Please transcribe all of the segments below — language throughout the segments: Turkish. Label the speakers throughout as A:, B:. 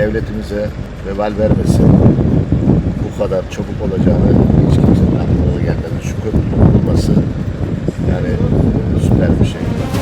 A: devletimize vebal vermesin. Bu kadar çabuk olacağını hiç kimsenin aklına gelmedi. Şu köprünün kurulması yani süper bir şey.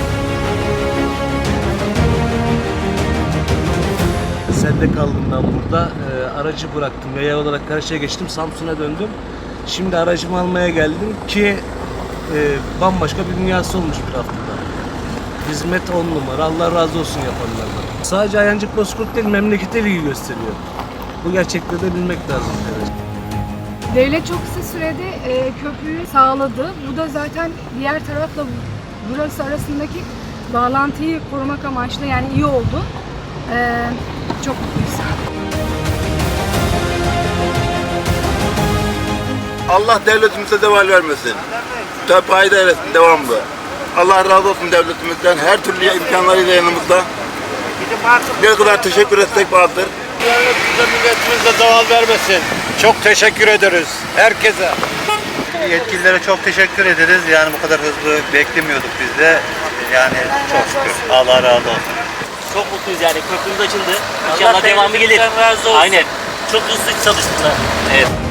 B: Sende kaldım ben burada. Aracı bıraktım. Yaya olarak karşıya geçtim. Samsun'a döndüm. Şimdi aracımı almaya geldim ki bambaşka bir dünyası olmuş bir haftada. Hizmet 10 numara. Allah razı olsun yapanlardan. Sadece Ayancık Bozkurt değil, memlekete ilgi gösteriyor. Bu gerçekleri de bilmek lazım. Evet.
C: Devlet çok kısa sürede köprüyü sağladı. Bu da zaten diğer tarafla burası arasındaki bağlantıyı korumak amaçlı, yani iyi oldu. Çok mutluyuz.
D: Allah devletimize zeval vermesin. Payda eylesin devamlı. Allah razı olsun devletimizden. Her türlü imkanlarıyla yanımızda. Ne kadar teşekkür etsek vardır.
E: Devletimize, milletimize zeval vermesin. Çok teşekkür ederiz herkese.
F: Yetkililere çok teşekkür ederiz. Yani bu kadar hızlı beklemiyorduk biz de. Yani çok şükür. Allah razı olsun.
G: Çok mutluyuz yani, köprümüz açıldı. İnşallah devamı gelir. Aynen. Çok hızlı çalıştılar. Evet.